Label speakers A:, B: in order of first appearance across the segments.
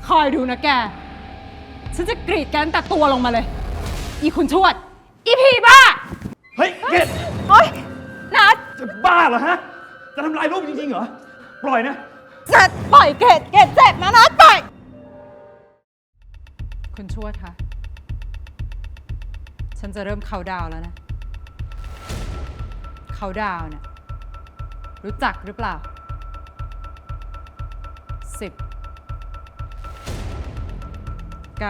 A: อยดูนะแกฉันจะกรีดแกตั้งแต่ตัวลงมาเลยอีคุณชวดอีผีบ้า
B: เฮ้ยเกด
A: โอ๊ยนัด
B: จะบ้าเหรอฮะจะทำลายรูปจริงๆเหรอปล่อยนะ
A: นัดปล่อยเกดเจ็บนะนัดปล่อยคุณชวดคะฉันจะเริ่มเขาดาวแล้วนะเขาดาวเนี่ยรู้จักหรือเปล่า10 9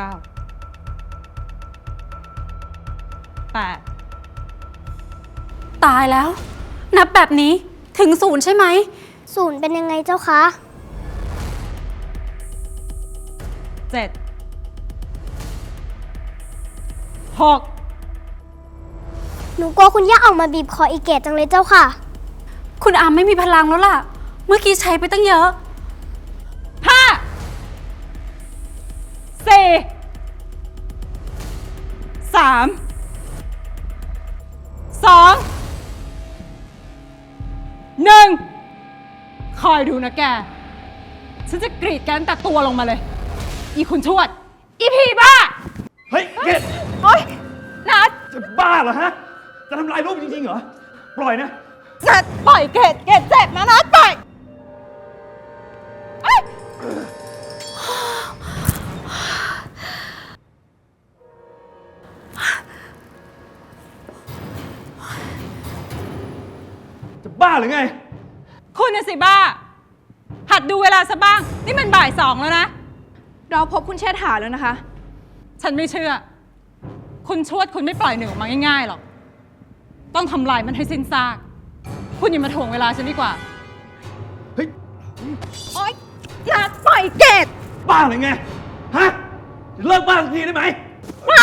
A: 8
C: ตายแล้วนับแบบนี้ถึง0ใช่ไหม
D: 0เป็นยังไงเจ้าคะ
A: 7 6
D: หนูกลัวคุณย่าออกมาบีบคออีเกตจังเลยเจ้าค่ะ
C: คุณอามไม่มีพลังแล้วล่ะเมื่อกี้ใช้ไปตั้งเยอะ
A: 5 4 3 2 1คอยดูนะแกฉันจะกรีดแกตั้งแต่ตัวลงมาเลยอีคุณชวดอีผีบ้า
B: เฮ้ยเกด
A: โอ๊ยนัด
B: จะบ้าเหรอฮะจะทำลายรูปจริงๆเหรอปล่อยนะ
A: นัดปล่อยเกดเจ็บนะนัดปล่อย
B: จะบ้าหรือไง
A: คุณน่ะสิบ้าหัดดูเวลาซะบ้างนี่มันบ่าย2แล้วนะ
E: เราพบคุณเชษฐาแล้วนะคะ
A: ฉันไม่เชื่อคุณชวดคุณไม่ปล่อยหนึ่งออกมาง่ายๆหรอกต้องทำลายมันให้สิ้นซากคุณอย่ามาถ่วงเวลาฉันดีกว่า
B: เฮ้ย
A: โอ๊ยนัดปล่อยเกด
B: บ้าหรือไงฮะเลิกบ้าสักทีได้ไหม
A: ไม่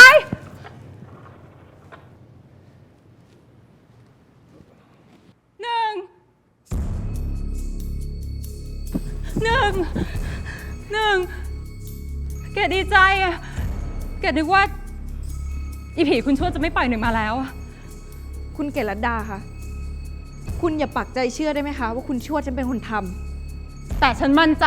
A: หนึ่งเกดดีใจอะเกดนึกว่าอีผีคุณชวดจะไม่ปล่อยหนึ่งมาแล้ว
E: คุณเกศรัตดาคะคุณอย่าปักใจเชื่อได้ไหมคะว่าคุณชวดฉันเป็นคนทำ
A: แต่ฉันมั่นใจ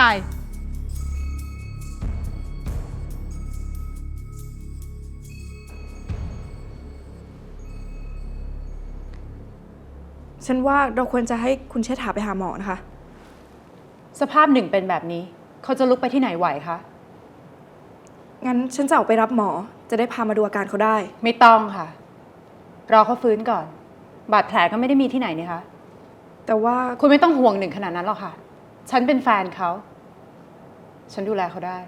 E: ฉันว่าเราควรจะให้คุณเชษฐาไปหาหมอนะคะ
C: สภาพหนึ่งเป็นแบบนี้เขาจะลุกไปที่ไหนไหวคะ
E: งั้นฉันจะออกไปรับหมอจะได้พามาดูอาการเขาได้
C: ไม่ต้องค่ะรอเขาฟื้นก่อนบาดแผลก็ไม่ได้มีที่ไหนนี่คะ
E: แต่ว่า
C: คุณไม่ต้องห่วงหนึ่งขนาดนั้นหรอกค่ะฉันเป็นแฟนเขาฉันดูแลเขาได้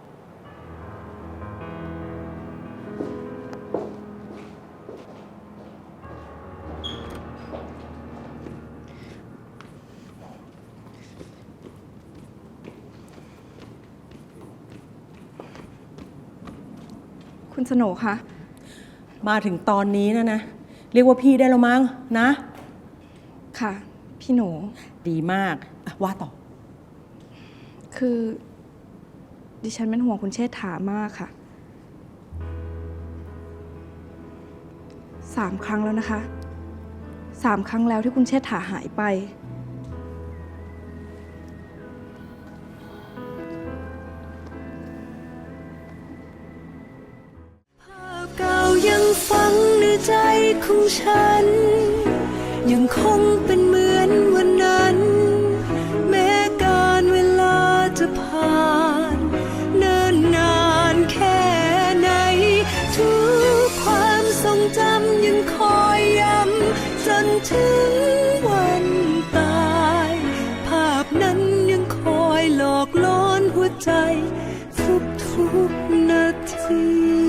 E: คุณสโหนคะ
F: มาถึงตอนนี้นะเรียกว่าพี่ได้แล้วมั้งนะ
E: ค่ะพี่หนู
F: ดีมากว่าต่อ
E: คือดิฉันเป็นห่วงคุณเชษฐามากค่ะ3 ครั้งแล้วนะคะ3 ครั้งแล้วที่คุณเชษฐาหายไป
G: ยังฝังในใจของฉันยังคงเป็นเหมือนวันนั้นแม้การเวลาจะผ่านเนิ่นนานแค่ไหนทุกความทรงจำยังคอยย้ำจนถึงวันตายภาพนั้นยังคอยหลอกล่อหัวใจทุกนาที